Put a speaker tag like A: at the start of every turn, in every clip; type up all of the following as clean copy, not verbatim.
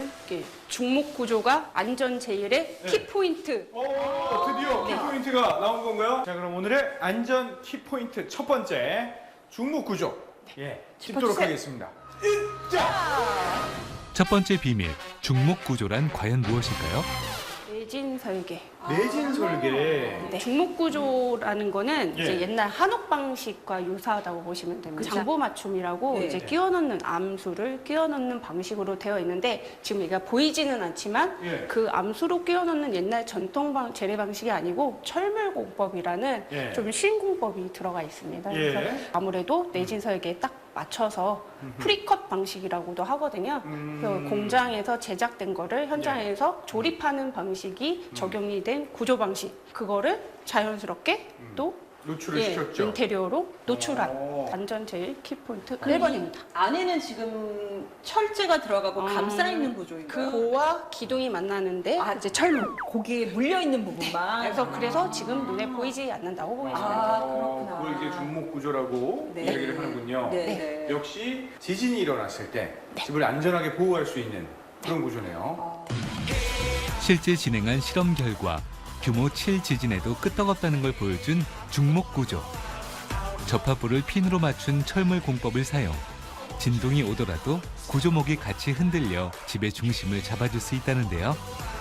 A: 이렇게 중목 구조가 안전 제일의
B: 네.
A: 키포인트.
B: 드디어 키포인트가 나온 건가요? 자, 그럼 오늘의 안전 키포인트 첫 번째 중목 구조. 예, 짚도록 하겠습니다.
C: 첫 번째 비밀, 중목 구조란 과연 무엇일까요?
A: 내진 설계.
B: 내진 설계.
A: 네. 중목 구조라는 거는
B: 예.
A: 이제 옛날 한옥 방식과 유사하다고 보시면 됩니다. 장보 맞춤이라고
D: 네.
A: 이제 끼워 넣는 암수를 끼워 넣는 방식으로 되어 있는데 지금 얘가 보이지는 않지만
B: 예.
A: 그 암수로 끼워 넣는 옛날 전통 재래 방식이 아니고 철물 공법이라는
B: 예.
A: 좀 쉬운 공법이 들어가 있습니다. 그래서
B: 예.
A: 아무래도 내진 설계에 딱 맞춰서 프리컷 방식이라고도 하거든요. 그래서 공장에서 제작된 거를 현장에서 조립하는 방식이 적용이 된 구조 방식. 그거를 자연스럽게 또
B: 노출을 시켰죠.
A: 인테리어로 노출한
B: 오.
A: 안전 제일 키포인트
D: 그럼
A: 1번입니다.
D: 안에는 지금 철제가 들어가고 감싸 있는 구조인가요?
A: 그와 기둥이 만나는데
D: 아,
A: 이제 철로.
D: 거기에 물려 있는 부분만.
A: 그래서 지금 눈에 보이지 않는다고 보시면 돼요.
D: 그렇구나.
B: 그걸 이제 중목 구조라고
D: 네.
B: 이야기를 하는군요.
D: 네. 네.
B: 역시 지진이 일어났을 때 집을 안전하게 보호할 수 있는 그런 구조네요.
C: 실제 진행한 실험 결과 규모 7 지진에도 끄떡없다는 걸 보여준 중목 구조. 접합부를 핀으로 맞춘 철물 공법을 사용. 진동이 오더라도 구조목이 같이 흔들려 집의 중심을 잡아줄 수 있다는데요.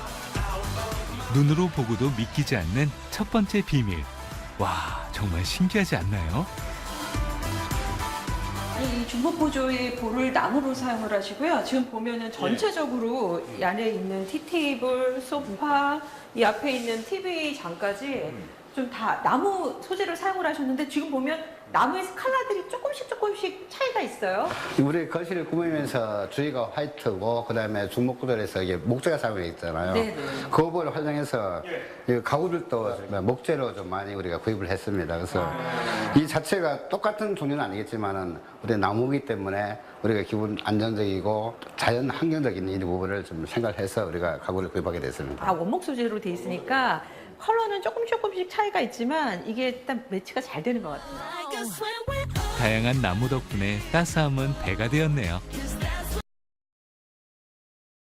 C: 눈으로 보고도 믿기지 않는 첫 번째 비밀. 와, 정말 신기하지 않나요?
D: 아니, 이 중복 구조의 볼을 나무로 사용을 하시고요. 지금 보면은 전체적으로 이 안에 있는 티테이블, 소파, 이 앞에 있는 TV 장까지 좀 다 나무 소재를 사용을 하셨는데 지금 보면 나무의 컬러들이 조금씩 차이가 있어요.
E: 우리 거실을 꾸미면서 주위가 화이트고 그다음에 중목구조에서 이게 목재가 사용되어 있잖아요.
D: 네네.
E: 그 부분을 활용해서 이 가구들도 목재로 좀 많이 우리가 구입을 했습니다. 그래서 이 자체가 똑같은 종류는 아니겠지만은 우리 나무이기 때문에 우리가 기본 안정적이고 자연 환경적인 이 부분을 좀 생각해서 우리가 가구를 구입하게 됐습니다.
D: 다 원목 소재로 돼 있으니까 컬러는 조금씩 차이가 있지만 이게 일단 매치가 잘 되는 것 같아요.
C: 다양한 나무 덕분에 따스함은 배가 되었네요.